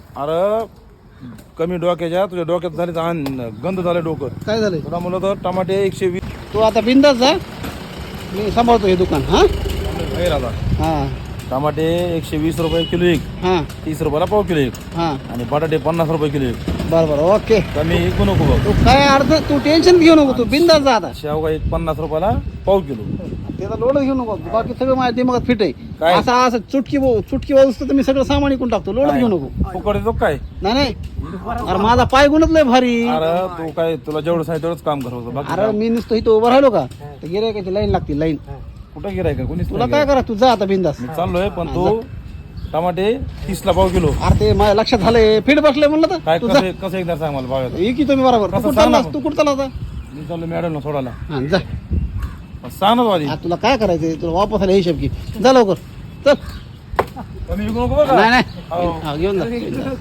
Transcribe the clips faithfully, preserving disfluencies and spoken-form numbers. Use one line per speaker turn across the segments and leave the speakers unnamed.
अरे कमी डोक्याच्या तुझ्या डोक्यात झाले तर गंध झालं डोकं.
काय झालंय?
तुला म्हणलं तर टमाटे एकशे वीस
तू आता बिंदास जा, मी सांभाळतो हे दुकान. हा
नाही राहता.
हा
टमाटे एकशे वीस रुपये किलो एक,
हा
तीस रुपयाला पाव किलो एक,
हा
आणि बटाटे पन्नास रुपये किलो एक.
बरं बरं ओके.
कमी विकू नको बघ.
तू काय अर्ध तू टेन्शन घेऊ नको, तू बिंदास जा आता.
शेवगा एक पन्नास रुपयाला पाव किलो.
त्याचा लोड घेऊ नको, बाकी सगळं माझ्या दिमागात फिट आहे.
काय?
असं असं चुटकी बो- चुटकी वाजतो तर मी सगळं सामान इकून टाकतो. लोड घेऊ नको.
फुकट देतो काय?
नाही नाही, अरे माझा पाय गुणच लय भारी.
अरे तू काय तुला जेवढं सांगितलं तेवढंच काम करतो. बाकी
अरे मी नुसतं इथं उभं राहिलो का तर गिरायकाची लाईन लागते लाईन.
कुठं गिराय का कोणीच
तुला
नाही
काय करा, तू जा आता बिंदास.
मी चाललोय पण तू टमाटे तीस ला पाव किलो.
अरे ते माझ्या लक्षात झालंय, फिट बसलंय म्हणलं
काय
तर तू जा.
कसं कसं एकदा सांग मला बघा.
ये की तुम्ही बरोबर. तू
कसं
कुठं
सांग ना
चाललास?
मग.
तू कुठं चालला आता?
मी चाललो मॅडम ना सोडायला.
हा जा.
सांग ना तू आधी.
हा, तुला काय करायचंय? तुला वापस आला हिशोब की. जा लवकर चल.
कमी विकू नको बघा.
नाही नाही
हो.
हा, घेऊन जा.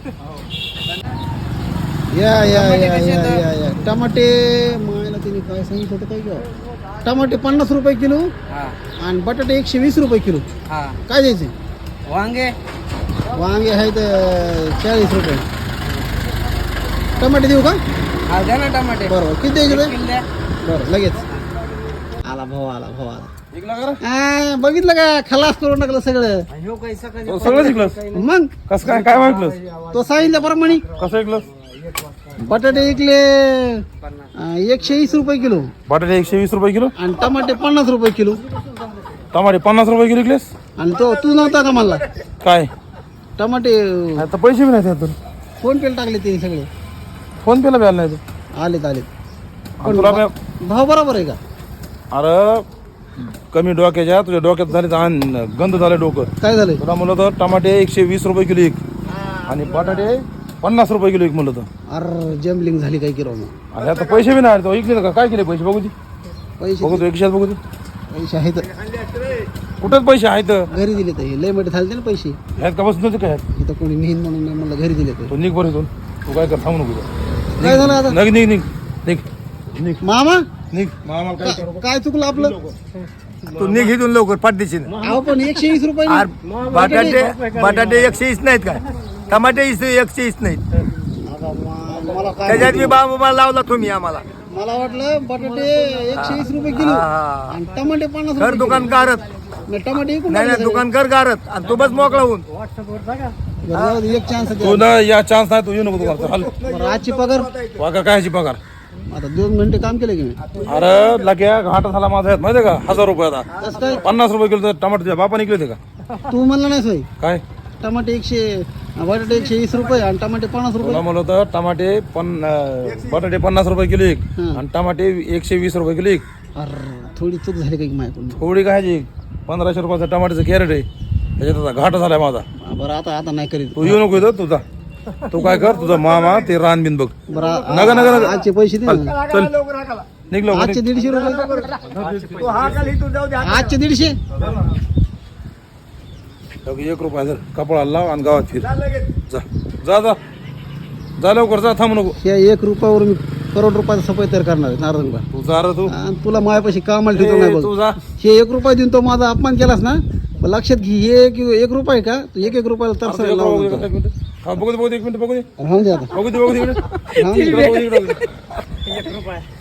या या या या या या टमाटे मायला तिने काय सांगितलं होतं काय घ्या? टमाटे पन्नास रुपये किलो आणि बटाटे एकशे वीस रुपये किलो. काय द्यायचे?
वांगे
वांगे आहेत चाळीस रुपये. टमाटे देऊ का?
हा द्या ना टमाटे.
बरोबर किती द्यायचे ते?
किलो द्या.
बरं लगेच आला भाऊ आला भाऊ आला.
विकला का रे?
आ, बघितलं का खलास करून टाकलं सगळं.
ह्यो काही सकाळी
तो सगळं शिकलंस?
मग
कसं काय काय वाटलं?
तो सांगितल्याप्रमाणे
कसं ऐकलंस?
बटाटे विकले अं, एकशे वीस रुपये किलो
बटाटे एकशे वीस रुपये किलो,
आणि टमाटे पन्नास रुपये किलो.
टमाटे पन्नास रुपये किलो विकलेस.
आणि तो तू नव्हता का मला?
काय
टमाटे
आता पैसे बी नाही त्यातून.
फोन पेला टाकले ते सगळे.
फोन पेला बी आला नाही तू.
आलेत आलेत.
आणि तुला काय-
भाव बरोबर आहे का?
अरे कमी डोक्याच्या तुझ्या डोक्यात झाले तर गंध झालं डोकं.
काय झालंय?
तुला म्हणलं तर टमाटे एकशे वीस रुपये किलो एक, आणि बटाटे पन्नास रुपये किलो एक म्हणलं तर.
अरे जम्बलिंग झाली काय किलो मग.
आणि आता पैसे बी नाही. तो ऐकले का काय केले पैसे बघू दे.
पैसे
बघू दे एकशेच बघू दे.
पैसे आहेत
कुठंच पैसे आहेत.
घरी दिले तर हे लय मोठे झाले ना पैसे.
ह्यात का बसून काय आहेत?
इथं कोणी नेहीन म्हणून नाही म्हणलं घरी दिले तर.
तू निघ बरं इथून. तू काय कर सांगू नको.
काय झालं आता?
निघ निघ निघ निघ निघ
मामा
निघ. मामा काय करू?
काय चुकलं आपलं?
तू निघ इथून लवकर पाठदेशील.
अहो पण एकशे वीस रुपये
अरे बटाटे बटाटे एकशे वीस नाहीत काय? टमाटे वीस एकशे वीस नाहीत.
मला काय
त्याच्यात मी बाबा लावला तुम्ही आम्हाला.
मला वाटलं बटाटे एकशे वीस रुपये किलो
हा.
आणि टमाटे पन्नास
घर
रुपये
दुकान
किलो.
गारत
मी टमाटे विकून
नाही नाही
टाकले
दुकान कर गारत आणि तू बस मोकळा होऊन.
सगळे. बरं, जाऊ दे, एक चान्स
तू ना या चान्स नाही. तू येऊ नको दुकानात. हल
बरं आजची पगार
वाका कायची पगार.
आता दोन घंटे काम केलं की मी.
अरे लग्या घाट झाला माझा यात माहितीये का? हजार रुपये आता
कसं काय?
पन्नास रुपये किलो टमाटे तुझ्या बापाने किलो होते का?
तू म्हणला नाही सोय.
काय
टमाटे एकशे बटाटे एकशे वीस रुपये आणि टमाटे पन्नास रुपये.
तुला म्हणलं होतं टमाटे पन अं, बटाटे पन्नास रुपये किलो एक,
हं.
आणि टमाटे एकशे वीस रुपये किलो एक.
अरे थोडी चूक झाली काही माझ्याकडून.
थोडी काय पंधराशे रुपयाचं टमाट्याचं कॅरेट आहे. त्याच्यात आता घाट झालाय माझा.
बरं आता आता नाही करीत.
तू येऊ नको इथं. तुझा तू काय कर, तुझा मामा ते रान बिन बघ.
बरं
नका नका नका.
आजचे पैसे दे ना.
चल निघ लवकर
आजचे
निघ.
दीडशे रुपये.
तू हा खाली इथून जाऊ दे.
आजचे दीडशे.
एक रुपया जर कपडा लाव आणि गावात फिर. जा जा जा जा लवकर जा. थांबू नको.
या एक रुपयावर मी करोड रुपयाचा सफाई तयार करणार आहे नारदंगा.
तू जा रे तू.
आणि तुला माझ्यापाशी कामाला ठेवतो नाही
ए, तू
बघ.
जा.
हे एक रुपया देऊन तो माझा अपमान केलास ना, मग लक्षात घे. हे एक एक रुपया आहे का? तू एक एक रुपयाला
एक
तरसायला
मिनिट,
लावून
एक
देतो.
मिनिट. हा, बघू दे बघू दे एक मिनिट बघू दे
राहून दे आता.
बघू दे बघू दे एक मिनिट.
राहून दे.
बघू दे, बघू दे.
एक रुपया